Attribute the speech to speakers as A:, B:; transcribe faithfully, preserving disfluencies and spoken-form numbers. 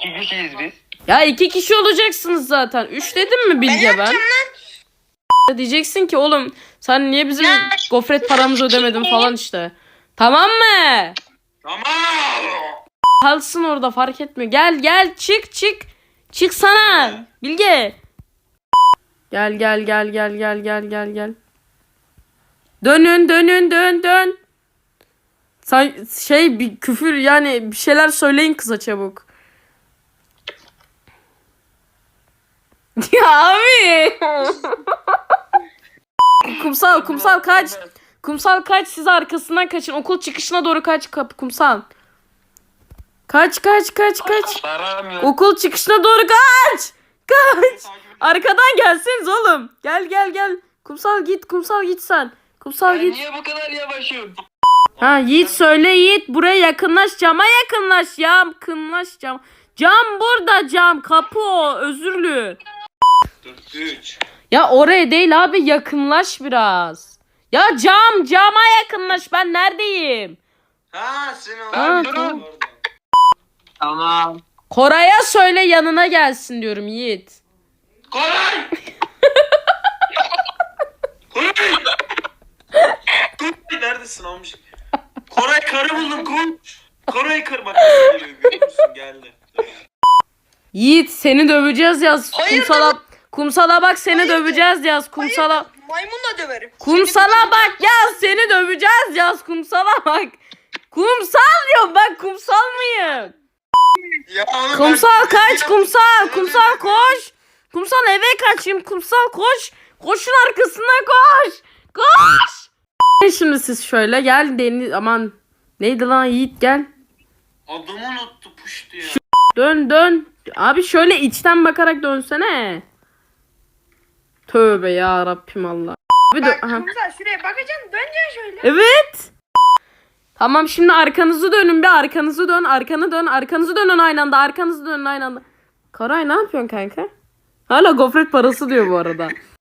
A: iki kişiyiz biz.
B: Ya iki kişi olacaksınız zaten. Üç dedim mi Bilge ben? ben? Diyeceksin ki oğlum sen niye bizim
C: Ya,
B: gofret paramızı ödemedin falan işte. Tamam mı?
A: Tamam.
B: Kalsın orada fark etmiyor. Gel gel çık çık. Çıksana Bilge. Gel gel gel gel gel gel gel gel. Dönün dönün dön dön. Sen şey bir küfür yani bir şeyler söyleyin kıza çabuk. Ya abi. Kumsal kumsal kaç. Kumsal kaç, siz arkasından kaçın. Okul çıkışına doğru kaç kapı kumsal. Kaç kaç kaç kaç.
A: Param
B: Okul çıkışına doğru kaç. Kaç. Arkadan gelseniz oğlum. Gel gel gel. Kumsal git kumsal git sen. Kumsal
A: Ben
B: git.
A: niye bu kadar yavaşım?
B: Ha Yiğit söyle Yiğit. Buraya yakınlaş, cama yakınlaş ya. Yakınlaş cam. Cam burada cam. Kapı o. Özürlü.
A: dört üç.
B: Ya oraya değil abi, yakınlaş biraz. Ya cam cama yakınlaş, ben neredeyim?
A: Ha sen o.
B: Ha,
A: Durun. Tamam.
B: Koray'a söyle yanına gelsin diyorum Yiğit.
A: Koray! Koray! Koray neredesin amca? Koray karı buldum koş. Koray karı bak geliyor görüyor musun geldi.
B: Yiğit seni döveceğiz yaz.
C: Hayır,
B: Kumsala kumsala bak, seni
C: Hayır,
B: döveceğiz yaz. Kumsala
C: Hayır, maymunla döverim.
B: kumsala bak yaz, seni döveceğiz yaz. Kumsala bak. Kumsal diyorum ben, kumsal mıyım?
A: Ya oğlum
B: Kumsal
A: ben-
B: kaç, kumsal kumsal koş. Kumsal eve kaçayım, kumsal koş. Koşun arkasına koş. Koş. Şimdi siz şöyle gel deniz, aman neydi lan Yiğit, gel.
A: Adımı unuttu puştu ya.
B: Dön dön. Abi şöyle içten bakarak dönsene. Tövbe ya Rabbim Allah. Bir dö-
C: Bak
B: Aha.
C: kumsal şuraya bakacaksın, döneceksin şöyle.
B: Evet. Tamam şimdi arkanızı dönün, bir arkanızı dön, arkanı dön, arkanızı dönün aynı anda, arkanızı dönün aynı anda. Karay ne yapıyorsun kanka? Hala gofret parası diyor bu arada.